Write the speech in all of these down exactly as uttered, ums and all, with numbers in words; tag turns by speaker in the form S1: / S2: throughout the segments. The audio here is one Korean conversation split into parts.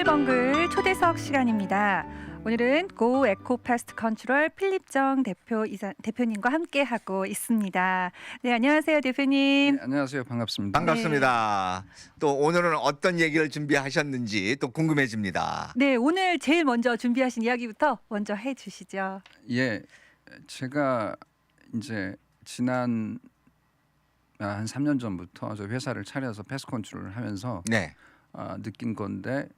S1: 벙글벙글 초대석 시간입니다. 오늘은 고 에코 패스트 컨트롤 필립정 대표 이사, 대표님과 함께 하고 있습니다. 네, 안녕하세요, 대표님.
S2: 네, 안녕하세요. 반갑습니다.
S3: 반갑습니다.
S1: 네.
S3: 또 오늘은 어떤 얘기를 준비하셨는지 또 궁금해집니다.
S1: 네, 오늘 제일 먼저 준비하신 이야기부터 먼저 해주시죠.
S2: 예, 제가 이제 지난 한 삼 년 전부터 저 회사를 차려서 패스트 컨트롤을 하면서
S3: 네.
S2: 어, 느낀 건데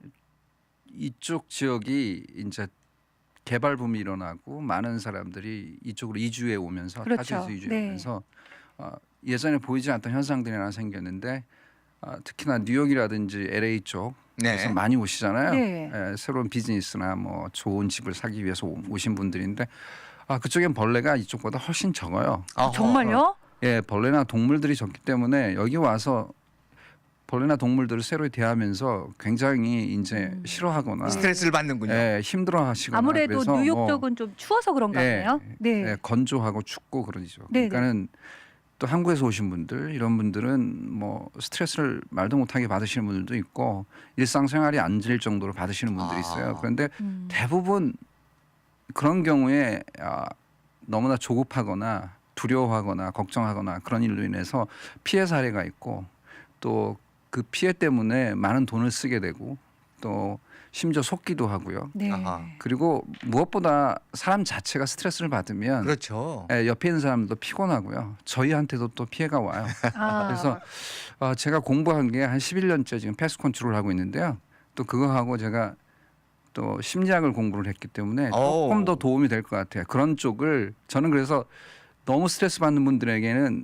S2: 이쪽 지역이 이제 개발 붐이 일어나고 많은 사람들이 이쪽으로 이주해 오면서
S1: 그렇죠.
S2: 타지에서 이주해
S1: 네.
S2: 오면서 어, 예전에 보이지 않던 현상들이 하나 생겼는데 어, 특히나 뉴욕이라든지 엘에이 쪽에서
S3: 네.
S2: 많이 오시잖아요.
S1: 네.
S2: 에, 새로운 비즈니스나 뭐 좋은 집을 사기 위해서 오- 오신 분들인데 아, 그쪽엔 벌레가 이쪽보다 훨씬 적어요.
S3: 어허.
S1: 정말요?
S2: 예, 벌레나 동물들이 적기 때문에 여기 와서 벌레나 동물들을 새로 대하면서 굉장히 이제
S1: 음.
S2: 싫어하거나
S3: 스트레스를 받는군요.
S2: 예, 힘들어하시거나
S1: 아무래도
S2: 그래서
S1: 뉴욕
S2: 뭐,
S1: 쪽은 좀 추워서 그런가
S2: 예,
S1: 봐요. 네.
S2: 예, 건조하고 춥고 그러죠.
S1: 네,
S2: 그러니까는 또 한국에서 오신 분들 이런 분들은 뭐 스트레스를 말도 못하게 받으시는 분들도 있고 일상생활이 안 질 정도로 받으시는 분들이 있어요.
S3: 아.
S2: 그런데
S1: 음.
S2: 대부분 그런 경우에 아, 너무나 조급하거나 두려워하거나 걱정하거나 그런 일로 인해서 피해 사례가 있고 또 그 피해 때문에 많은 돈을 쓰게 되고 또 심지어 속기도 하고요.
S1: 네.
S3: 아하.
S2: 그리고 무엇보다 사람 자체가 스트레스를 받으면
S3: 그렇죠.
S2: 예, 옆에 있는 사람도 피곤하고요. 저희한테도 또 피해가 와요.
S1: 아,
S2: 그래서 어, 제가 공부한 게 한 십일 년째 지금 패스트 컨트롤을 하고 있는데요. 또 그거 하고 제가 또 심리학을 공부를 했기 때문에
S3: 오.
S2: 조금 더 도움이 될 것 같아요. 그런 쪽을 저는 그래서 너무 스트레스 받는 분들에게는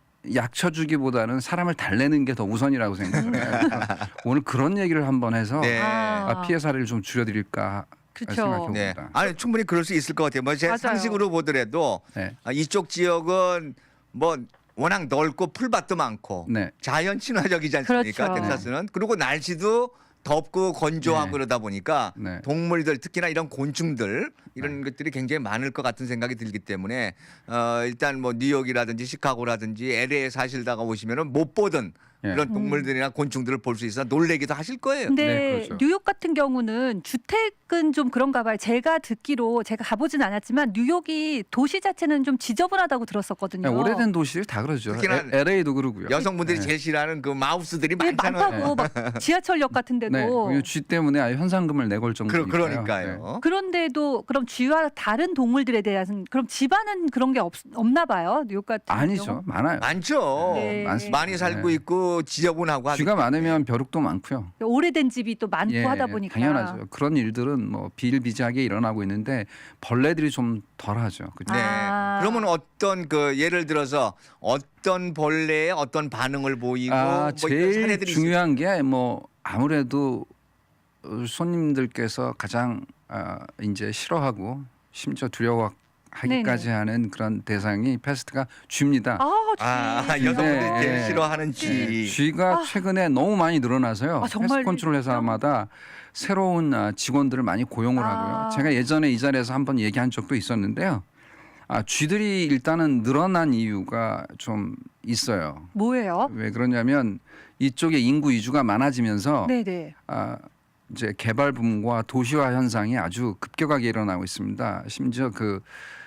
S2: 약 쳐주기보다는 사람을 달래는 게 더 우선이라고 생각을 해요. 그래서 오늘 그런 얘기를 한번 해서
S3: 네.
S1: 아.
S2: 아, 피해 사례를 좀 줄여드릴까
S1: 그렇죠.
S2: 생각해
S3: 네.
S2: 봅니다.
S3: 아니 충분히 그럴 수 있을 것 같아요. 뭐 제
S1: 맞아요.
S3: 상식으로 보더라도
S2: 네.
S3: 아, 이쪽 지역은 뭐 워낙 넓고 풀밭도 많고
S2: 네.
S3: 자연 친화적이지 않습니까?
S1: 그렇죠.
S3: 텍사스는. 그리고 날씨도 덥고 건조하고
S2: 네.
S3: 그러다 보니까
S2: 네.
S3: 동물들 특히나 이런 곤충들 이런
S2: 네.
S3: 것들이 굉장히 많을 것 같은 생각이 들기 때문에 어, 일단 뭐 뉴욕이라든지 시카고라든지 엘에이에 사실다가 오시면은 못 보던
S2: 네.
S3: 이런 동물들이나 곤충들을 볼 수 있어 놀래기도 하실 거예요.
S1: 근데
S2: 네, 그렇죠.
S1: 뉴욕 같은 경우는 주택은 좀 그런가 봐요. 제가 듣기로 제가 가보진 않았지만 뉴욕이 도시 자체는 좀 지저분하다고 들었었거든요.
S2: 네, 오래된 도시들이 다 그러죠.
S3: 특히나
S2: 에- 엘에이도 그러고요.
S3: 여성분들이
S2: 네.
S3: 제일 싫어하는 그 마우스들이
S1: 네,
S3: 많잖아요.
S1: 많다고 막 지하철역 같은 데도.
S2: 네, 그쥐 때문에 아예 현상금을 내걸
S3: 그,
S2: 정도니까요.
S3: 그러니까요.
S1: 그런데도 그럼 쥐와 다른 동물들에 대한 그럼 집안은 그런 게 없, 없나 봐요. 뉴욕 같은
S2: 아니죠,
S1: 경우?
S2: 많아요.
S3: 많죠.
S1: 네.
S2: 많습니다.
S3: 많이 살고
S2: 네.
S3: 있고 지저분하고 하기
S2: 쥐가
S3: 때문에.
S2: 많으면 벼룩도 많고요.
S1: 오래된 집이 또 많고
S2: 예,
S1: 하다 보니까.
S2: 당연하죠. 그런 일들은 뭐 비일비재하게 일어나고 있는데 벌레들이 좀 덜하죠. 그죠?
S3: 네.
S1: 아.
S3: 그러면 어떤 그 예를 들어서 어떤 벌레에 어떤 반응을 보이고
S2: 아,
S3: 뭐 이런
S2: 제일
S3: 사례들이
S2: 중요한 게 뭐 아무래도 어, 손님들께서 가장 아, 이제 싫어하고 심지어 두려워하기까지
S1: 네네.
S2: 하는 그런 대상이 패스트가 쥐입니다.
S1: 아, 쥐.
S3: 아, 여성분들이
S2: 네,
S3: 제일
S2: 네.
S3: 싫어하는 쥐.
S2: 네, 쥐가
S1: 아.
S2: 최근에 너무 많이 늘어나서요.
S1: 아, 정말
S2: 패스트 컨트롤 회사마다 새로운 아, 직원들을 많이 고용을
S1: 아.
S2: 하고요. 제가 예전에 이 자리에서 한번 얘기한 적도 있었는데요. 아, 쥐들이 일단은 늘어난 이유가 좀 있어요.
S1: 뭐예요?
S2: 왜 그러냐면 이쪽에 인구 이주가 많아지면서
S1: 네네.
S2: 아, 이제 개발 붐과 도시화 현상이 아주 급격하게 일어나고 있습니다. 심지어 그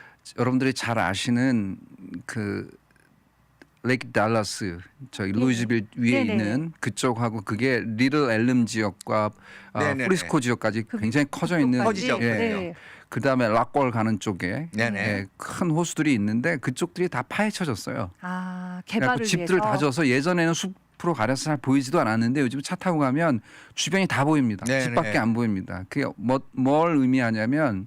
S2: 여러분들이 잘 아시는 그 레이크 달라스 저기
S1: 네.
S2: 루이즈빌 위에
S1: 네네.
S2: 있는 그쪽하고 그게 리틀 엘름 지역과 아,
S3: 네네네.
S2: 프리스코 지역까지
S1: 그
S2: 굉장히 커져 있는
S3: 커지죠.
S2: 예.
S1: 네.
S2: 그다음에 락골 가는 쪽에
S3: 네네.
S2: 예, 큰 호수들이 있는데 그쪽들이 다 파헤쳐졌어요.
S1: 아,
S2: 그래갖고
S1: 개발을
S2: 집들을
S1: 위해서.
S2: 다 져서 예전에는 숲으로 가려서 잘 보이지도 않았는데 요즘 차 타고 가면 주변이 다 보입니다.
S3: 네네.
S2: 집밖에 안 보입니다. 그게 뭐, 뭘 의미하냐면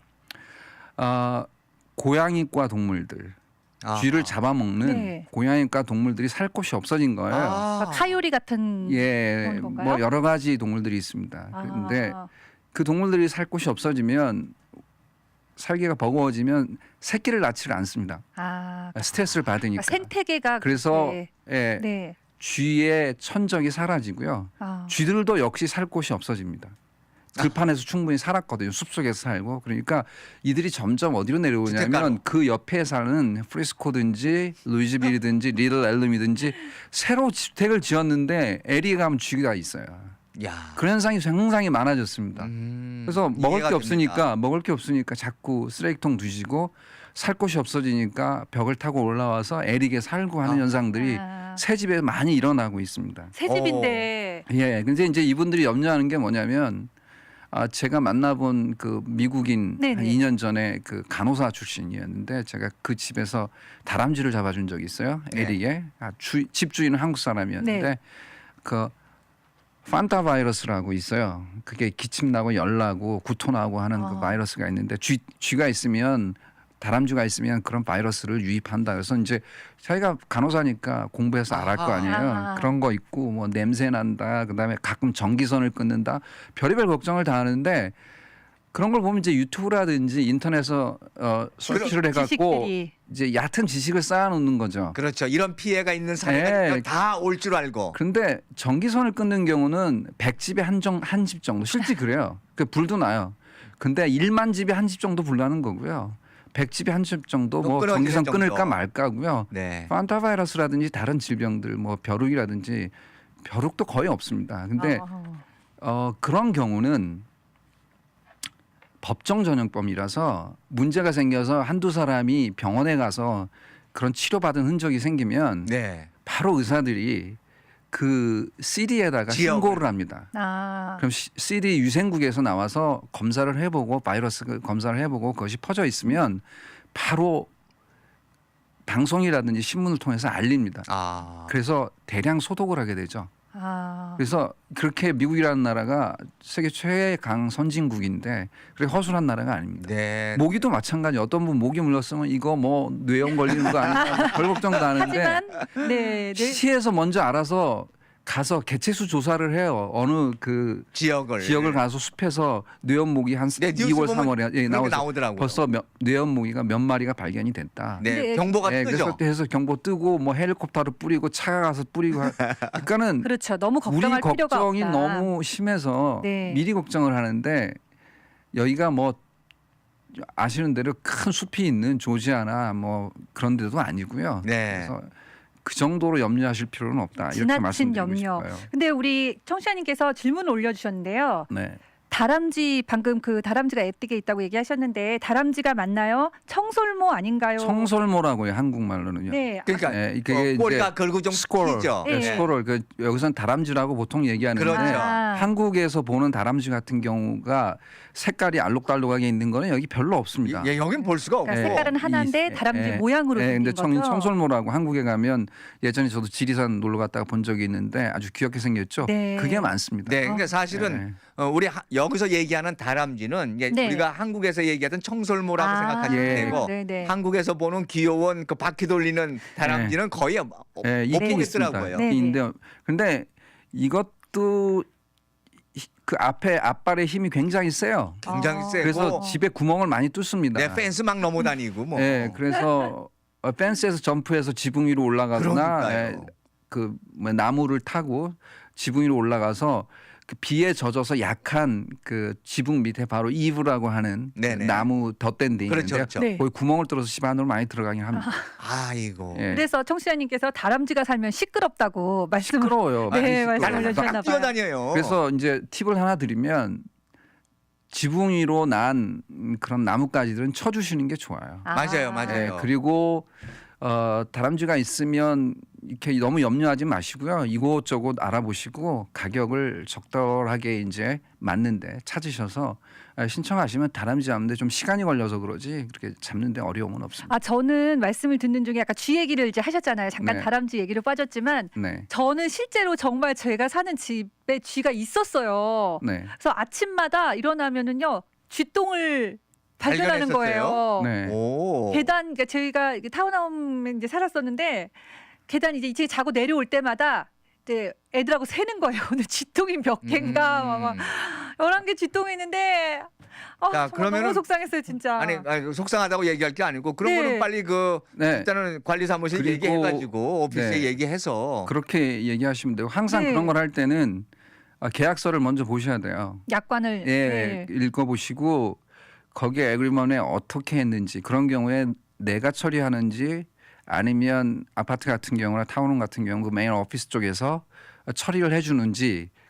S2: 어, 고양이과 동물들
S3: 아하.
S2: 쥐를 잡아먹는
S1: 네.
S2: 고양이과 동물들이 살 곳이 없어진 거예요.
S3: 아.
S1: 카요리 같은
S2: 예,
S1: 그런 건가요?
S2: 뭐 여러 가지 동물들이 있습니다. 그런데
S1: 아,
S2: 그 동물들이 살 곳이 없어지면 살기가 버거워지면 새끼를 낳지를 않습니다.
S1: 아,
S2: 스트레스를 받으니까.
S1: 그러니까 생태계가
S2: 그래서
S1: 네.
S2: 예,
S1: 네.
S2: 쥐의 천적이 사라지고요.
S1: 아.
S2: 쥐들도 역시 살 곳이 없어집니다. 들판에서 충분히 살았거든요. 숲속에서 살고. 그러니까 이들이 점점 어디로 내려오냐면
S3: 주택가로.
S2: 그 옆에 사는 프리스코든지 루이즈빌이든지 리틀 엘름이든지 새로 주택을 지었는데 에리에 가면 쥐가 있어요.
S3: 야.
S2: 그런 현상이 굉장히 많아졌습니다.
S3: 음,
S2: 그래서 먹을
S3: 이해가
S2: 게 없으니까
S3: 됩니다.
S2: 먹을 게 없으니까 자꾸 쓰레기통 뒤지고 살 곳이 없어지니까 벽을 타고 올라와서 애리게 살고 하는
S3: 아.
S2: 현상들이
S1: 아,
S2: 새 집에 많이 일어나고 있습니다.
S1: 새 집인데
S2: 예. 근데 이제 이분들이 염려하는 게 뭐냐면 아 제가 만나본 그 미국인
S1: 네네.
S2: 한 이 년 전에 그 간호사 출신이었는데 제가 그 집에서 다람쥐를 잡아준 적이 있어요.
S3: 네.
S2: 에릭에 아, 주, 집주인은 한국 사람이었는데
S1: 네.
S2: 그 판타 바이러스라고 있어요. 그게 기침 나고 열 나고 구토 나고 하는
S1: 아.
S2: 그 바이러스가 있는데 쥐 쥐가 있으면 다람쥐가 있으면 그런 바이러스를 유입한다. 그래서 이제 자기가 간호사니까 공부해서 알 거
S3: 아하.
S2: 아니에요.
S1: 아하.
S2: 그런 거 있고 뭐 냄새 난다. 그다음에 가끔 전기선을 끊는다. 별의별 걱정을 다 하는데 그런 걸 보면 이제 유튜브라든지 인터넷에서 어, 서치를 해갖고
S1: 지식들이
S2: 이제 얕은 지식을 쌓아놓는 거죠.
S3: 그렇죠. 이런 피해가 있는 사례가
S2: 네.
S3: 다 올 줄 알고.
S2: 그런데 전기선을 끊는 경우는 백 집에 한한 집 정도 실제 그래요. 그 불도 나요. 근데 일만 집에 한 집 정도 불나는 거고요. 백 집에 한 집 정도
S3: 또
S2: 뭐
S3: 끊어지는
S2: 전기선
S3: 정도.
S2: 끊을까 말까고요.
S3: 네.
S2: 판타 바이러스라든지 다른 질병들 뭐 벼룩이라든지 벼룩도 거의 없습니다. 근데
S1: 아,
S2: 어, 그런 경우는 법정 전염병이라서 문제가 생겨서 한두 사람이 병원에 가서 그런 치료받은 흔적이 생기면
S3: 네.
S2: 바로 의사들이 그 씨디에다가
S3: 지역을.
S2: 신고를 합니다.
S1: 아,
S2: 그럼 씨디 유생국에서 나와서 검사를 해보고 바이러스 그 검사를 해보고 그것이 퍼져 있으면 바로 방송이라든지 신문을 통해서 알립니다.
S3: 아.
S2: 그래서 대량 소독을 하게 되죠.
S1: 아,
S2: 그래서 그렇게 미국이라는 나라가 세계 최강 선진국인데 그렇게 허술한 나라가 아닙니다.
S3: 네.
S2: 모기도 마찬가지. 어떤 분 모기 물렸으면 이거 뭐 뇌염 걸리는 거 아닌가 뭐별 걱정도 하는데
S1: 하지만 네, 네.
S2: 시에서 먼저 알아서 가서 개체수 조사를 해요. 어느 그
S3: 지역을
S2: 지역을 가서 숲에서 뇌염 모기 한
S3: 네, 뉴스
S2: 이월
S3: 보면
S2: 삼월에 예,
S3: 그렇게
S2: 나와서
S3: 나오더라고요.
S2: 벌써 몇, 뇌염 모기가 몇 마리가 발견이 됐다.
S3: 네,
S1: 네.
S3: 경보가
S2: 예,
S3: 뜨죠.
S2: 그래서 해서 경보 뜨고 뭐 헬리콥터로 뿌리고 차가 가서 뿌리고 하- 그러니까는
S1: 그렇죠. 너무
S2: 우리
S1: 걱정할 필요가
S2: 걱정이
S1: 없다.
S2: 너무 심해서
S1: 네.
S2: 미리 걱정을 하는데 여기가 뭐 아시는 대로 큰 숲이 있는 조지아나 뭐 그런 데도 아니고요.
S3: 네.
S2: 그래서 그 정도로 염려하실 필요는 없다. 이렇게
S1: 지나친
S2: 말씀드리고
S1: 염려.
S2: 싶어요.
S1: 근데 우리 청취자님께서 질문을 올려주셨는데요.
S2: 네.
S1: 다람쥐 방금 그 다람쥐가 앱디게 있다고 얘기하셨는데 다람쥐가 맞나요? 청솔모 아닌가요?
S2: 청설모라고요 한국말로는요.
S1: 네.
S3: 그러니까
S2: 예, 이게
S3: 어,
S2: 이제
S3: 꼬리가 걸고 좀
S2: 스코럴,
S3: 튀죠.
S2: 예,
S1: 예.
S2: 스코럴. 그 여기선 다람쥐라고 보통 얘기하는데
S3: 그렇죠.
S1: 아.
S2: 한국에서 보는 다람쥐 같은 경우가 색깔이 알록달록하게 있는 거는 여기 별로 없습니다.
S3: 예, 여긴 볼 수가 없고.
S1: 그러니까 색깔은 하나인데
S2: 이-
S1: 다람쥐
S2: 예,
S1: 모양으로
S2: 예,
S1: 생긴
S2: 근데 청,
S1: 거죠.
S2: 청설모라고 한국에 가면 예전에 저도 지리산 놀러 갔다가 본 적이 있는데 아주 귀엽게 생겼죠.
S1: 네.
S2: 그게 많습니다.
S3: 네, 그러니까 사실은
S2: 네.
S3: 어, 우리 하, 여기서 얘기하는 다람쥐는 예,
S1: 네.
S3: 우리가 한국에서 얘기하던 청설모라고
S1: 아,
S3: 생각하시면
S2: 예.
S3: 되고
S1: 네네.
S3: 한국에서 보는 귀여운 그 바퀴 돌리는 다람쥐는 거의 어,
S2: 예,
S3: 못
S2: 있긴 있습니다.
S3: 보겠더라고요.
S1: 네.
S2: 있는데 근데 이것도 히- 그 앞에 앞발의 힘이 굉장히 세요.
S3: 굉장히
S1: 어.
S3: 세고
S2: 그래서 집에 구멍을 많이 뚫습니다.
S3: 네, 펜스 막 넘어다니고 뭐.
S2: 예, 그래서 어, 펜스에서 점프해서 지붕 위로 올라가거나
S3: 그러니까요.
S2: 예, 그뭐 나무를 타고 지붕 위로 올라가서 그 비에 젖어서 약한 그 지붕 밑에 바로 이브라고 하는 그
S3: 네네.
S2: 나무 덧댄 데
S3: 그렇죠,
S2: 있는데
S3: 그렇죠.
S1: 네.
S2: 거기 구멍을 뚫어서 집 안으로 많이 들어가긴 합니다.
S3: 아이고.
S2: 예.
S1: 그래서 청취자님께서 다람쥐가 살면 시끄럽다고 말씀을
S2: 시끄러워요.
S1: 네,
S2: 많이
S1: 말씀
S2: 시끄러워요.
S1: 올려주셨나
S3: 막
S1: 봐요.
S3: 뛰어다녀요.
S2: 그래서 이제 팁을 하나 드리면 지붕 위로 난 그런 나뭇가지들은 쳐주시는 게 좋아요.
S1: 아.
S3: 맞아요, 맞아요.
S2: 예, 그리고 어, 다람쥐가 있으면 이렇게 너무 염려하지 마시고요. 이곳저곳 알아보시고 가격을 적절하게 이제 맞는데 찾으셔서 아, 신청하시면 다람쥐 잡는데 좀 시간이 걸려서 그러지 그렇게 잡는데 어려움은 없습니다.
S1: 아 저는 말씀을 듣는 중에 약간 쥐 얘기를 이제 하셨잖아요. 잠깐
S2: 네.
S1: 다람쥐 얘기로 빠졌지만
S2: 네,
S1: 저는 실제로 정말 제가 사는 집에 쥐가 있었어요.
S2: 네,
S1: 그래서 아침마다 일어나면은요 쥐똥을 발견하는 거예요.
S2: 네.
S3: 오.
S1: 계단 그러니까 저희가 이게 타운홈에 이제 살았었는데 계단 이제 이제 자고 내려올 때마다 이제 애들하고 세는 거예요. 오늘 쥐똥이 몇 개인가 막, 막
S3: 음.
S1: 열한 개 쥐똥이 있는데 아,
S3: 자,
S1: 정말
S3: 그러면은-
S1: 너무 속상했어요 진짜.
S3: 아니, 아니 속상하다고 얘기할 게 아니고 그런
S1: 네.
S3: 거는 빨리 그
S2: 네.
S3: 일단은 관리사무실
S2: 그리고-
S3: 얘기해가지고 오피스에
S2: 네.
S3: 얘기해서
S2: 그렇게 얘기하시면 되고 항상
S1: 네.
S2: 그런 걸 할 때는 아, 계약서를 먼저 보셔야 돼요.
S1: 약관을
S2: 예,
S1: 네.
S2: 읽어보시고 거기에 에그리먼에 어떻게 했는지 그런 경우에 내가 처리하는지 아니면 아파트 같은 경우나 타운홈 같은 경우 그 메인 오피스 쪽에서 처리를 해주는지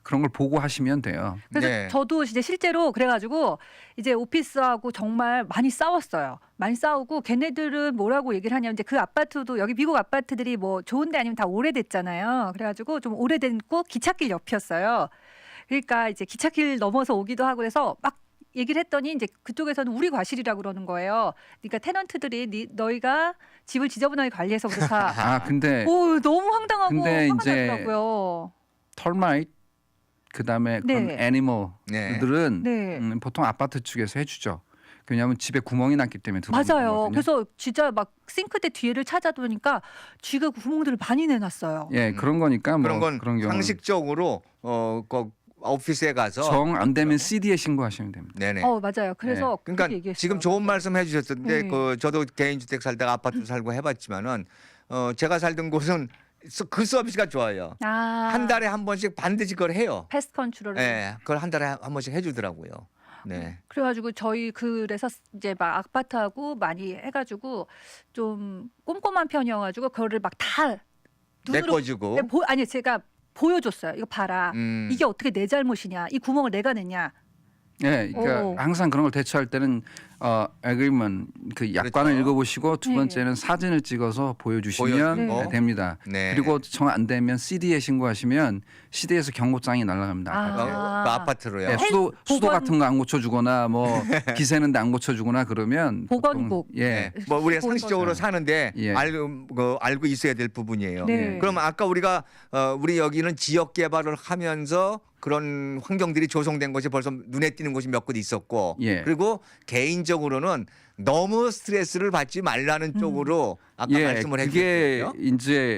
S2: 그런 걸 보고 하시면 돼요.
S1: 그래서
S3: 네.
S1: 저도 이제 실제로 그래가지고 이제 오피스하고 정말 많이 싸웠어요. 많이 싸우고 걔네들은 뭐라고 얘기를 하냐면 이제 그 아파트도 여기 미국 아파트들이 뭐 좋은데 아니면 다 오래됐잖아요. 그래가지고 좀 오래됐고 기찻길 옆이었어요. 그러니까 이제 기찻길 넘어서 오기도 하고 그래서 막 얘기를 했더니 이제 그쪽에서는 우리 과실이라고 그러는 거예요. 그러니까 테넌트들이 니, 너희가 집을 지저분하게 관리해서 그렇다.
S2: 아 근데
S1: 오 너무 황당하고
S2: 근데
S1: 화가
S2: 이제
S1: 나더라고요.
S2: 털마이트 그다음에 그런
S1: 네.
S2: 애니멀들은
S1: 네.
S2: 음, 보통 아파트 측에서 해주죠. 왜냐하면 집에 구멍이 났기 때문에 들어오는
S1: 맞아요.
S2: 거거든요.
S1: 그래서 진짜 막 싱크대 뒤에를 찾아보니까 쥐가 구멍들을 많이 내놨어요.
S2: 예
S3: 음.
S2: 그런 거니까 뭐
S3: 그런 건
S2: 그런 경우
S3: 상식적으로 어, 그 오피스에 가서
S2: 정 안 되면 씨디에 신고하시면 됩니다.
S3: 네네.
S1: 어 맞아요. 그래서
S3: 그러니까
S1: 그렇게 얘기했어요.
S3: 지금 좋은 말씀 해주셨던데
S1: 네.
S3: 그 저도 개인주택 살다가 아파트 살고 해봤지만은 어, 제가 살던 곳은 서- 그 서비스가 좋아요.
S1: 아,
S3: 한 달에 한 번씩 반드시 그걸 해요.
S1: 패스트 컨트롤.
S3: 네, 그걸 한 달에 한 번씩 해주더라고요. 네.
S1: 그래가지고 저희 그래서 이제 막 아파트하고 많이 해가지고 좀 꼼꼼한 편이어가지고 그거를 막 다 눈으로
S3: 메꿔주고.
S1: 네, 보, 아니 제가 보여줬어요. 이거 봐라.
S3: 음.
S1: 이게 어떻게 내 잘못이냐? 이 구멍을 내가 냈냐?
S2: 예, 그러니까
S1: 오.
S2: 항상 그런 걸 대처할 때는 어, agreement 그 약관을
S3: 그렇죠.
S2: 읽어보시고 두
S1: 네.
S2: 번째는 사진을 찍어서 보여주시면
S3: 보여주고.
S2: 네, 됩니다.
S3: 네.
S2: 그리고 정 안 되면 씨디에 신고하시면 씨디에서 경고장이 날아갑니다.
S1: 아.
S3: 그,
S2: 아파트에.
S3: 그 아파트로요.
S2: 예, 수도 수도
S1: 보건-
S2: 같은 거 안 고쳐주거나 뭐 기세는데 안 고쳐주거나 그러면
S1: 보건국.
S2: 보통, 예,
S3: 네. 뭐 우리가
S1: 보건
S3: 상식적으로
S2: 거죠.
S3: 사는데
S2: 예.
S3: 알고 그, 알고 있어야 될 부분이에요.
S1: 네.
S3: 그럼 아까 우리가 어, 우리 여기는 지역 개발을 하면서 그런 환경들이 조성된 것이 벌써 눈에 띄는 곳이 몇 곳 있었고,
S2: 예.
S3: 그리고 개인적으로는 너무 스트레스를 받지 말라는
S1: 음.
S3: 쪽으로 아까
S2: 예,
S3: 말씀을
S2: 그게
S3: 해주셨죠.
S2: 이제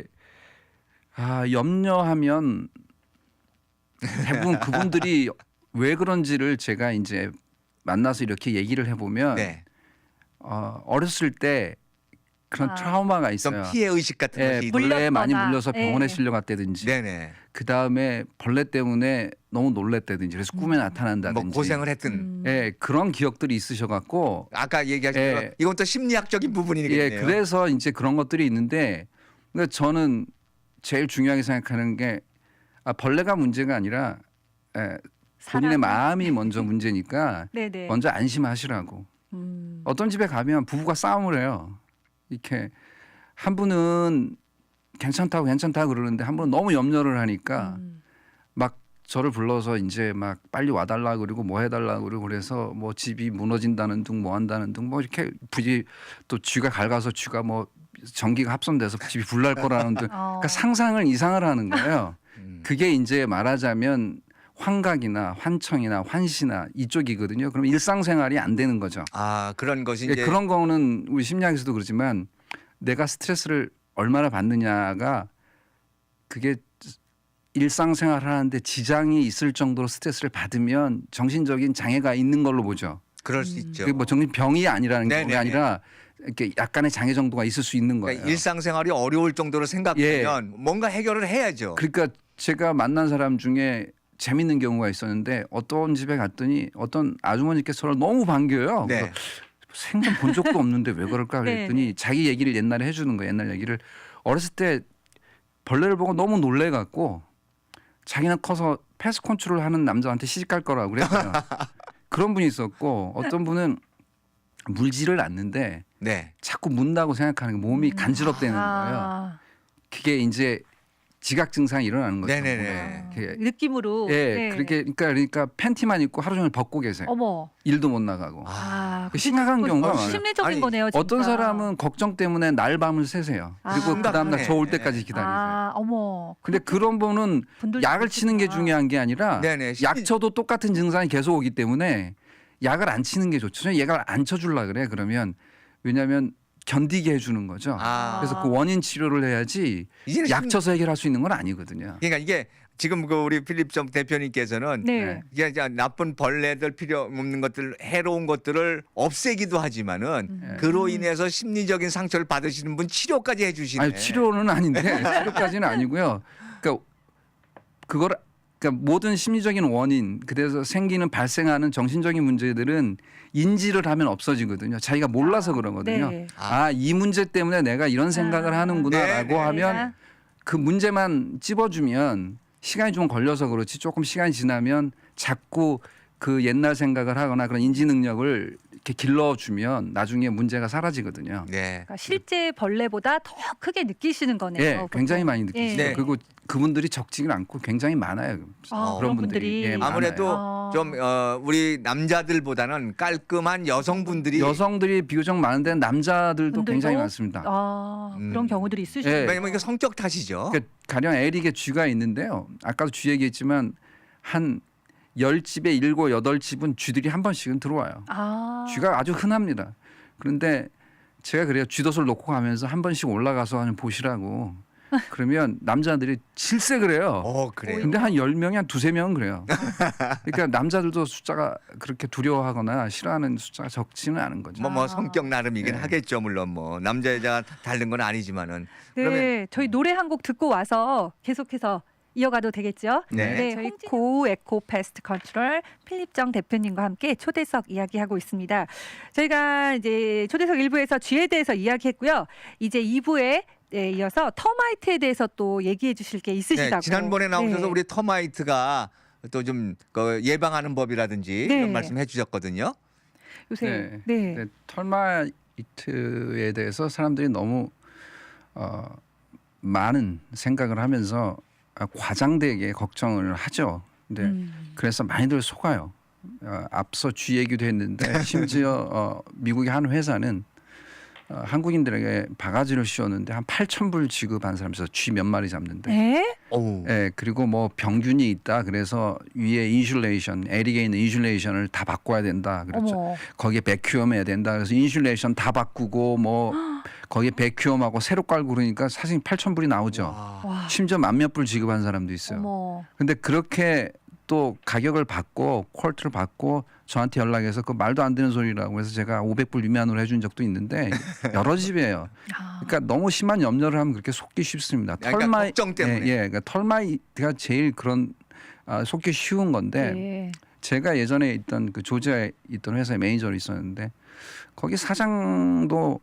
S2: 아, 염려하면 대부분 그분들이 왜 그런지를 제가 이제 만나서 이렇게 얘기를 해보면
S3: 네.
S2: 어, 어렸을 때 그런
S1: 아.
S2: 트라우마가
S3: 좀
S2: 있어요.
S3: 피해 의식 같은
S2: 예,
S3: 것이.
S2: 벌레에 많이
S1: 물렸거나.
S2: 물려서 병원에
S1: 예.
S2: 실려갔다든지
S3: 네네.
S2: 그 다음에 벌레 때문에 너무 놀랬다든지 그래서 꿈에
S1: 음.
S2: 나타난다든지
S3: 뭐 고생을 했든.
S1: 음.
S2: 예, 그런 기억들이 있으셔갖고
S3: 아까 얘기하신
S2: 예.
S3: 대로 이건 또 심리학적인 부분이겠네요.
S2: 예, 그래서 이제 그런 것들이 있는데 그러니까 저는 제일 중요하게 생각하는 게 아, 벌레가 문제가 아니라 예, 본인의
S1: 사람이-
S2: 마음이 먼저 문제니까
S1: 네네.
S2: 먼저 안심하시라고.
S1: 음.
S2: 어떤 집에 가면 부부가 싸움을 해요. 이렇게 한 분은 괜찮다고 괜찮다고 그러는데 한 분은 너무 염려를 하니까
S1: 음.
S2: 막 저를 불러서 이제 막 빨리 와달라 그러고 뭐 해달라 그러고 그래서 뭐 집이 무너진다는 둥 뭐 한다는 둥 뭐 이렇게 부지 또 쥐가 갉아서 쥐가 뭐 전기가 합선돼서 집이 불날 거라는 둥
S1: 어.
S2: 그러니까 상상을 이상을 하는 거예요.
S3: 음.
S2: 그게 이제 말하자면 환각이나 환청이나 환시나 이쪽이거든요. 그럼 일상생활이 안 되는 거죠.
S3: 아 그런 것이
S2: 예,
S3: 이제
S2: 그런 거는 우리 심리학에서도 그렇지만 내가 스트레스를 얼마나 받느냐가 그게 일상생활 하는데 지장이 있을 정도로 스트레스를 받으면 정신적인 장애가 있는 걸로 보죠.
S3: 그럴 수
S1: 음.
S3: 있죠.
S2: 그게 뭐 정신병이 아니라는 게
S3: 네네네.
S2: 아니라 이렇게 약간의 장애 정도가 있을 수 있는 거예요.
S3: 그러니까 일상생활이 어려울 정도로 생각하면 뭔가 해결을 해야죠.
S2: 그러니까 제가 만난 사람 중에 재밌는 경우가 있었는데 어떤 집에 갔더니 어떤 아주머니께서 저를 너무 반겨요.
S3: 네.
S2: 그래서 생전 본 적도 없는데 왜 그럴까 그랬더니
S1: 네.
S2: 자기 얘기를 옛날에 해주는 거예요. 옛날 얘기를 어렸을 때 벌레를 보고 너무 놀래갖고 자기는 커서 패스 컨트롤 하는 남자한테 시집 갈 거라고 그랬어요. 그런 분이 있었고 어떤 분은 물지를 않는데
S3: 네.
S2: 자꾸 문다고 생각하는 게 몸이
S1: 음.
S2: 간지럽다는 거예요.
S1: 아.
S2: 그게 이제 지각 증상이 일어나는 거죠.
S3: 네네네.
S2: 몸에. 이렇게
S1: 느낌으로.
S2: 예,
S1: 네.
S2: 그렇게 그러니까 그러니까 팬티만 입고 하루 종일 벗고 계세요.
S1: 어머.
S2: 일도 못 나가고.
S1: 아,
S2: 그 심각한
S1: 그거
S2: 경우가
S1: 어,
S2: 많아요.
S1: 심리적인
S3: 아니,
S1: 거네요. 진짜.
S2: 어떤 사람은 걱정 때문에 날 밤을 새세요.
S1: 아.
S2: 그리고 그 다음날
S3: 심각하네.
S2: 저 올 때까지 기다리세요.
S1: 아, 어머.
S2: 근데 그런 분은
S1: 분들도
S2: 약을 치는 게
S1: 있구나.
S2: 중요한 게 아니라
S3: 네네.
S2: 약 쳐도 똑같은 증상이 계속 오기 때문에 약을 안 치는 게 좋죠. 저는 약을 안 쳐주려 그래. 그러면 왜냐하면 견디게 해주는 거죠.
S3: 아.
S2: 그래서 그 원인 치료를 해야지
S3: 이제는
S2: 약
S3: 심-
S2: 쳐서 해결할 수 있는 건 아니거든요.
S3: 그러니까 이게 지금 그 우리 필립정 대표님께서는
S1: 네.
S2: 네.
S3: 이게 이제 나쁜 벌레들 필요 없는 것들 해로운 것들을 없애기도 하지만은
S1: 음.
S3: 그로 인해서 심리적인 상처를 받으시는 분 치료까지 해주시네.
S2: 아니 치료는 아닌데 치료까지는 아니고요. 그러니까 그걸 그러니까 모든 심리적인 원인 그래서 생기는 발생하는 정신적인 문제들은 인지를 하면 없어지거든요. 자기가 몰라서 그러거든요.
S1: 네.
S2: 아 이 문제 때문에 내가 이런 생각을
S1: 아.
S2: 하는구나라고
S3: 네, 네.
S2: 하면 그 문제만 찝어주면 시간이 좀 걸려서 그렇지 조금 시간이 지나면 자꾸 그 옛날 생각을 하거나 그런 인지 능력을 이렇게 길러주면 나중에 문제가 사라지거든요.
S3: 네.
S1: 그러니까 실제 벌레보다 더 크게 느끼시는 거네요.
S2: 예,
S1: 보통.
S2: 굉장히 많이 느끼시죠.
S3: 네.
S2: 그리고 그분들이 적지는 않고 굉장히 많아요.
S1: 아,
S3: 그런
S1: 그런 분들이
S2: 예, 많아요.
S3: 아무래도
S1: 아.
S3: 좀 어, 우리 남자들보다는 깔끔한 여성분들이
S2: 여성들이 비교적 많은데 남자들도
S1: 분들도?
S2: 굉장히 많습니다.
S1: 아,
S3: 음.
S1: 그런 경우들이 있으시죠.
S2: 예.
S3: 왜냐면 이게 성격 탓이죠.
S2: 그러니까 가령 에릭의 쥐가 있는데요. 아까도 쥐 얘기했지만 한 열 집에 일곱 여덟 집은 쥐들이 한 번씩은 들어와요.
S1: 아,
S2: 쥐가 아주 흔합니다. 그런데 제가 그래요. 쥐덫을 놓고 가면서 한 번씩 올라가서 하는 보시라고. 그러면 남자들이 실세 그래요.
S3: 어 그래요.
S2: 근데 한 열 명이 한 두세 명은 그래요. 그러니까 남자들도 숫자가 그렇게 두려워하거나 싫어하는 숫자가 적지는 않은 거죠.
S3: 뭐 뭐
S1: 아.
S3: 성격 나름이긴
S2: 네.
S3: 하겠죠. 물론 뭐 남자 여자가 다른 건 아니지만은.
S1: 네,
S3: 그러면
S1: 저희 노래 한 곡 듣고 와서 계속해서 이어가도 되겠죠?
S3: 네.
S1: 저희 고우 에코 패스트 컨트롤 필립정 대표님과 함께 초대석 이야기하고 있습니다. 저희가 이제 초대석 일 부에서 쥐에 대해서 이야기했고요. 이제 이 부에 네, 이어서 터마이트에 대해서 또 얘기해 주실 게 있으시다고.
S3: 네, 지난번에 나오셔서
S1: 네.
S3: 우리 터마이트가 또 좀 그 예방하는 법이라든지
S1: 네.
S3: 이런 말씀해 주셨거든요.
S1: 요새
S2: 네.
S1: 네.
S2: 네, 털마이트에 대해서 사람들이 너무 어, 많은 생각을 하면서 과장되게 걱정을 하죠. 근데
S1: 음.
S2: 그래서 많이들 속아요. 어, 앞서 쥐 얘기도 했는데 심지어 어, 미국의 한 회사는 어, 한국인들에게 바가지를 씌웠는데 한 팔천 불 지급한 사람에서 쥐 몇 마리 잡는데.
S1: 네?
S3: 오.
S2: 예, 그리고 뭐 병균이 있다. 그래서 위에 인슐레이션, 에릭에 있는 인슐레이션을 다 바꿔야 된다. 그렇죠.
S1: 어머.
S2: 거기에 백큐엄 해야 된다. 그래서 인슐레이션 다 바꾸고 뭐 거기에 백큐엄하고 새로 깔고 그러니까 사실 팔천 불이 나오죠.
S3: 와.
S1: 와.
S2: 심지어 만몇 불 지급한 사람도 있어요.
S1: 어머.
S2: 근데 그렇게 또 가격을 받고 퀄트를 받고 저한테 연락해서 그 말도 안 되는 소리라고 해서 제가 오백 불 위안으로 해준 적도 있는데 여러 집이에요.
S1: 아.
S2: 그러니까 너무 심한 염려를 하면 그렇게 속기 쉽습니다.
S3: 그러니까
S2: 털마이
S3: 걱정 때문에.
S2: 예, 예, 그러니까 털마이가 제일 그런 아, 속기 쉬운 건데
S1: 네.
S2: 제가 예전에 있던 그 조지아에 있던 회사의 매니저로 있었는데 거기 사장도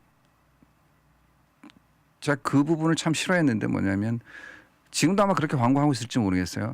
S2: 제가 그 부분을 참 싫어했는데 뭐냐면 지금도 아마 그렇게 광고하고 있을지 모르겠어요.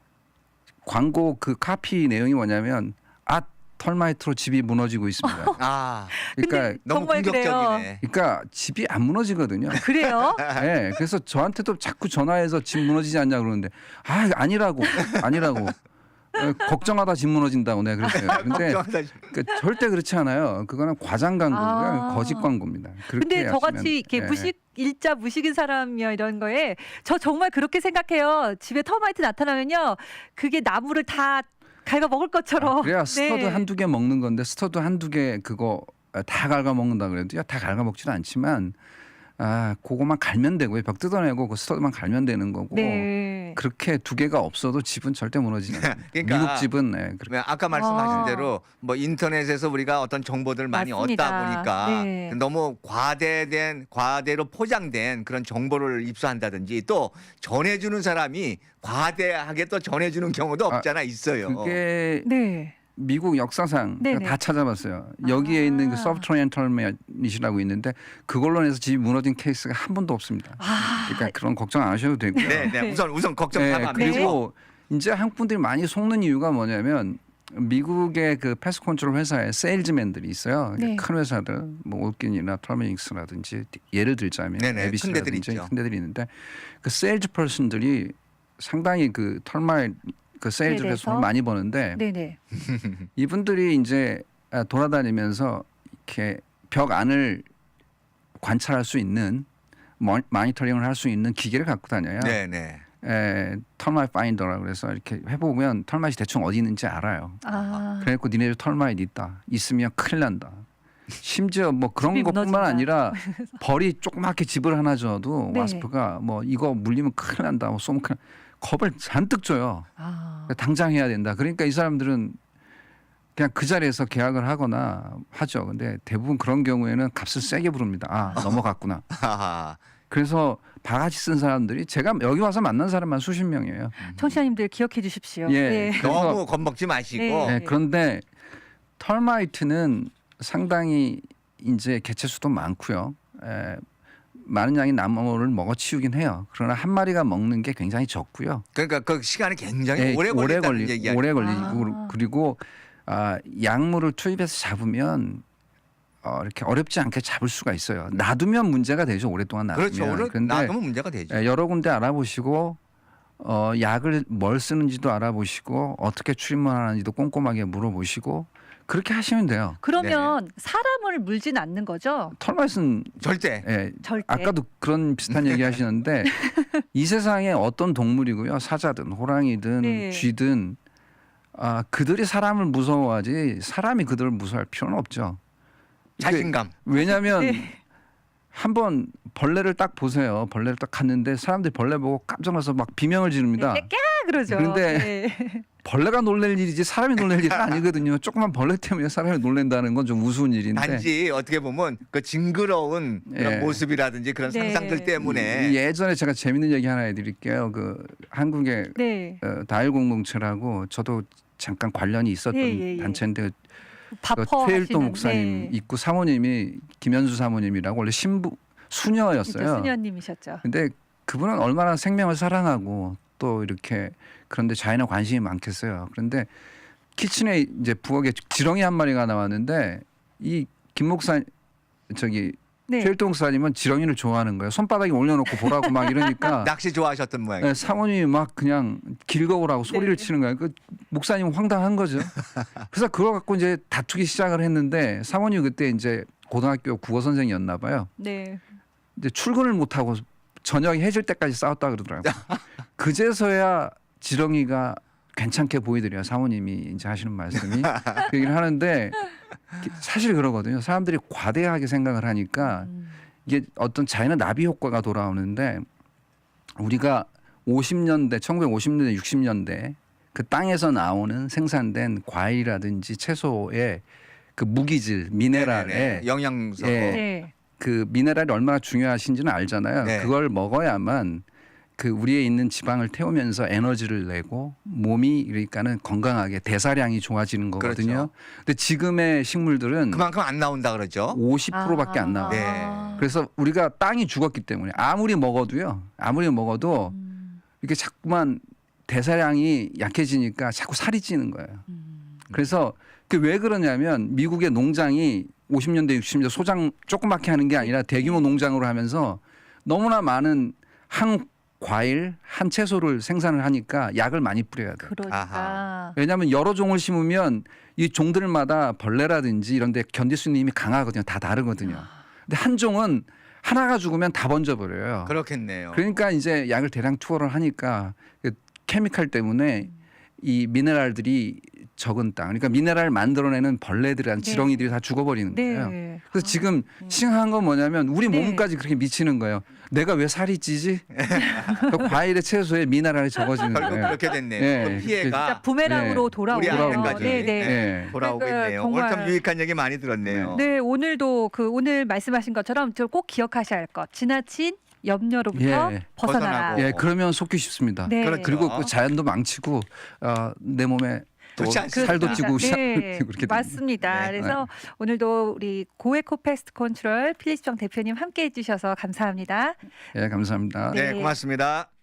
S2: 광고 그 카피 내용이 뭐냐면 아 털마이트로 집이 무너지고 있습니다.
S3: 아,
S2: 그러니까
S3: 너무
S1: 정말
S3: 공격적이네.
S2: 그러니까 집이 안 무너지거든요.
S1: 그래요?
S2: 네, 그래서 저한테도 자꾸 전화해서 집 무너지지 않냐 그러는데 아 아니라고 아니라고 어, 걱정하다 집 무너진다고 내가 그랬어요. 근데
S3: 걱정하다.
S2: 그러니까 절대 그렇지 않아요. 그거는 과장 광고고요,
S1: 아.
S2: 거짓 광고입니다. 그렇게
S1: 근데
S2: 하시면,
S1: 저같이 이렇게
S2: 예.
S1: 무식 일자 무식인 사람이요 이런 거에 저 정말 그렇게 생각해요. 집에 터마이트 나타나면요 그게 나무를 다 갉아 먹을 것처럼.
S2: 아, 그래야 스터드
S1: 네.
S2: 한두 개 먹는 건데 스터드 한두 개 그거 다 갉아 먹는다 그래도요 다 갉아 먹지는 않지만 아 그거만 갈면 되고요. 벽 뜯어내고 그 스터드만 갈면 되는 거고
S1: 네.
S2: 그렇게 두 개가 없어도 집은 절대 무너지지 않아요.
S3: 그러니까
S2: 미국 집은 네, 그렇게.
S3: 네, 아까 말씀하신
S1: 아.
S3: 대로 뭐 인터넷에서 우리가 어떤 정보들을 많이
S1: 맞습니다.
S3: 얻다 보니까
S1: 네.
S3: 너무 과대된 과대로 포장된 그런 정보를 입수한다든지 또 전해주는 사람이 과대하게 또 전해주는 경우도
S2: 아,
S3: 없잖아 있어요.
S2: 그게
S1: 네.
S2: 미국 역사상
S1: 네네.
S2: 다 찾아봤어요. 여기에 있는 그
S1: 아.
S2: 서브트로니안 털맷이라고 있는데 그걸로 인해서 집이 무너진 케이스가 한 번도 없습니다.
S1: 아.
S2: 그러니까 그런 걱정 안 하셔도 되고요.
S3: 네, 네.
S1: 네.
S3: 우선 우선 걱정
S2: 네,
S3: 사과합니다.
S2: 그리고 이제 한국 분들이 많이 속는 이유가 뭐냐면 미국의 그 패스 컨트롤 회사에 세일즈맨들이 있어요.
S1: 네.
S2: 큰 회사들, 뭐 올킨이나 털메닉스라든지 예를 들자면
S3: 네네,
S2: 에비스라든지
S3: 큰 데들 있죠.
S2: 큰 데들이 있는데 그 세일즈 퍼슨들이 상당히 그 털마이 그 세일즈를 해서
S1: 대해서?
S2: 돈 많이 버는데
S1: 네네.
S2: 이분들이 이제 돌아다니면서 이렇게 벽 안을 관찰할 수 있는 모- 모니터링을 할 수 있는 기계를 갖고 다녀요.
S3: 네, 네.
S2: 에, 털마이트 파인더라 그래서 이렇게 해보면 털마이트 대충 어디 있는지 알아요.
S1: 아.
S2: 그래갖고 니네들 털마이트 있다. 있으면 큰일 난다. 심지어 뭐 그런
S1: 집이
S2: 것뿐만
S1: 무너진다.
S2: 아니라 벌이 조그맣게 집을 하나 줘도
S1: 네.
S2: 와스프가 뭐 이거 물리면 큰일 난다. 뭐 쏘면 큰일 겁을 잔뜩 줘요.
S1: 아.
S2: 당장 해야 된다. 그러니까 이 사람들은 그냥 그 자리에서 계약을 하거나 하죠. 근데 대부분 그런 경우에는 값을 세게 부릅니다. 아 넘어갔구나.
S3: 하하.
S2: 그래서 바가지 쓴 사람들이 제가 여기 와서 만난 사람만 수십 명이에요.
S1: 청취자님들 기억해 주십시오.
S2: 예.
S1: 네.
S2: 그래서-
S3: 너무 겁먹지 마시고
S1: 네.
S2: 네, 그런데 털마이트는 상당히 이제 개체 수도 많고요. 에, 많은 양의 나무를 먹어치우긴 해요. 그러나 한 마리가 먹는 게 굉장히 적고요.
S3: 그러니까 그 시간이 굉장히
S2: 예,
S3: 오래 걸린다는
S2: 걸리,
S3: 얘기야.
S2: 오래 걸리고
S1: 아.
S2: 그리고 아, 약물을 투입해서 잡으면 어, 이렇게 어렵지 않게 잡을 수가 있어요. 놔두면 문제가 되죠. 오랫동안 놔두면.
S3: 그렇죠. 오래
S2: 그런데
S3: 놔두면 문제가 되죠.
S2: 예, 여러 군데 알아보시고 어, 약을 뭘 쓰는지도 알아보시고 어떻게 출입만 하는지도 꼼꼼하게 물어보시고 그렇게 하시면 돼요.
S1: 그러면
S3: 네.
S1: 사람을 물진 않는 거죠?
S2: 털맛은
S3: 절대.
S2: 예,
S1: 절대.
S2: 아까도 그런 비슷한 얘기 하시는데 이 세상에 어떤 동물이고요. 사자든 호랑이든
S1: 네.
S2: 쥐든 아, 그들이 사람을 무서워하지 사람이 그들을 무서워할 필요는 없죠. 이게
S3: 자신감.
S2: 왜냐하면
S1: 네.
S2: 한번 벌레를 딱 보세요. 벌레를 딱 갔는데 사람들이 벌레 보고 깜짝 놀라서 막 비명을 지릅니다.
S1: 네, 까 그러죠.
S2: 그런데
S1: 네.
S2: 벌레가 놀랄 일이지 사람이 놀랄 일은 아니거든요. 조그만 벌레 때문에 사람이 놀란다는 건 좀 우스운 일인데
S3: 단지 어떻게 보면 그 징그러운 그런
S2: 예.
S3: 모습이라든지 그런
S1: 네.
S3: 상상들 때문에
S2: 이- 예전에 제가 재밌는 얘기 하나 해드릴게요. 그 한국의
S1: 네.
S2: 어, 다일 공동체라고 저도 잠깐 관련이 있었던
S1: 예, 예, 예.
S2: 단체인데 그
S1: 바퍼
S2: 최일도
S1: 하시는,
S2: 목사님
S1: 네.
S2: 있고 사모님이 김현수 사모님이라고 원래 신부 수녀였어요.
S1: 진짜 수녀님이셨죠.
S2: 근데 그분은 얼마나 생명을 사랑하고 또 이렇게 그런데 자연에 관심이 많겠어요. 그런데 키친에 이제 부엌에 지렁이 한 마리가 나왔는데 이 김 목사 저기
S1: 네.
S2: 최일도 목사님은 지렁이를 좋아하는 거예요. 손바닥에 올려놓고 보라고 막 이러니까
S3: 낚시 좋아하셨던 모양이에요.
S2: 네, 사모님이 막 그냥 길거우라고 소리를
S1: 네.
S2: 치는 거예요. 그 목사님 황당한 거죠. 그래서 그거 갖고 이제 다투기 시작을 했는데 사모님 그때 이제 고등학교 국어 선생이었나 봐요.
S1: 네.
S2: 이제 출근을 못 하고 저녁이 해질 때까지 싸웠다 그러더라고요. 그제서야 지렁이가 괜찮게 보이더래요. 사모님이 이제 하시는 말씀이 그 얘기를 하는데 사실 그러거든요. 사람들이 과대하게 생각을 하니까
S1: 음.
S2: 이게 어떤 자연의 나비 효과가 돌아오는데 우리가 오십 년대, 천구백오십 년대, 육십 년대 그 땅에서 나오는 생산된 과일이라든지 채소의 그 무기질, 미네랄에
S3: 네네네. 영양소.
S2: 예.
S1: 네.
S2: 그 미네랄이 얼마나 중요하신지는 알잖아요.
S3: 네.
S2: 그걸 먹어야만 그 우리에 있는 지방을 태우면서 에너지를 내고 몸이 그러니까는 건강하게 대사량이 좋아지는 거거든요.
S3: 그렇죠.
S2: 근데 지금의 식물들은
S3: 그만큼 안 나온다 그러죠.
S2: 오십 퍼센트밖에 안 나와요.
S3: 네.
S2: 그래서 우리가 땅이 죽었기 때문에 아무리 먹어도요. 아무리 먹어도
S1: 음.
S2: 이게 자꾸만 대사량이 약해지니까 자꾸 살이 찌는 거예요.
S1: 음.
S2: 그래서 그 왜 그러냐면 미국의 농장이 오십 년대 육십 년대 소장 조그맣게 하는 게 아니라 대규모 농장으로 하면서 너무나 많은 한 과일 한 채소를 생산을 하니까 약을 많이 뿌려야 돼요.
S1: 그러니까.
S3: 아하.
S2: 왜냐하면 여러 종을 심으면 이 종들마다 벌레라든지 이런 데 견딜 수 있는 힘이 강하거든요. 다 다르거든요. 근데 한 종은 하나가 죽으면 다 번져버려요.
S3: 그렇겠네요.
S2: 그러니까 이제 약을 대량 투하를 하니까 그 케미칼 때문에 이 미네랄들이 적은 땅, 그러니까 미네랄을 만들어내는 벌레들이란
S1: 네.
S2: 지렁이들이 다 죽어버리는 거예요.
S1: 네.
S2: 그래서 지금 심각한 건 뭐냐면 우리
S1: 네.
S2: 몸까지 그렇게 미치는 거예요. 내가 왜 살이 찌지? 그 과일의 채소에 미네랄이 적어지는
S3: 결국
S2: 거예요.
S3: 그렇게 됐네요.
S2: 네.
S3: 그
S1: 진짜
S3: 피해가
S1: 부메랑으로
S2: 네.
S1: 돌아오네요.
S3: 우리한테까지
S1: 네, 네.
S2: 네.
S3: 돌아오겠네요.
S1: 그러니까
S3: 오늘 참
S1: 정말-
S3: 유익한 얘기 많이 들었네요.
S1: 네, 오늘도 그 오늘 말씀하신 것처럼 저 꼭 기억하셔야 할 것. 지나친 염려로부터
S2: 예.
S1: 벗어나라.
S3: 벗어나고.
S2: 예, 그러면 속기 쉽습니다.
S1: 네.
S3: 그렇죠.
S2: 그리고 그 자연도 망치고 어, 내 몸에 또
S3: 좋지 않습니다.
S2: 살도 찌고
S1: 네,
S2: 그렇게 됩니다.
S1: 맞습니다.
S3: 네.
S1: 그래서 오늘도 우리 고에코 패스트 컨트롤 필립 정 대표님 함께 해주셔서 감사합니다.
S2: 예, 감사합니다.
S3: 네,
S1: 네.
S3: 고맙습니다.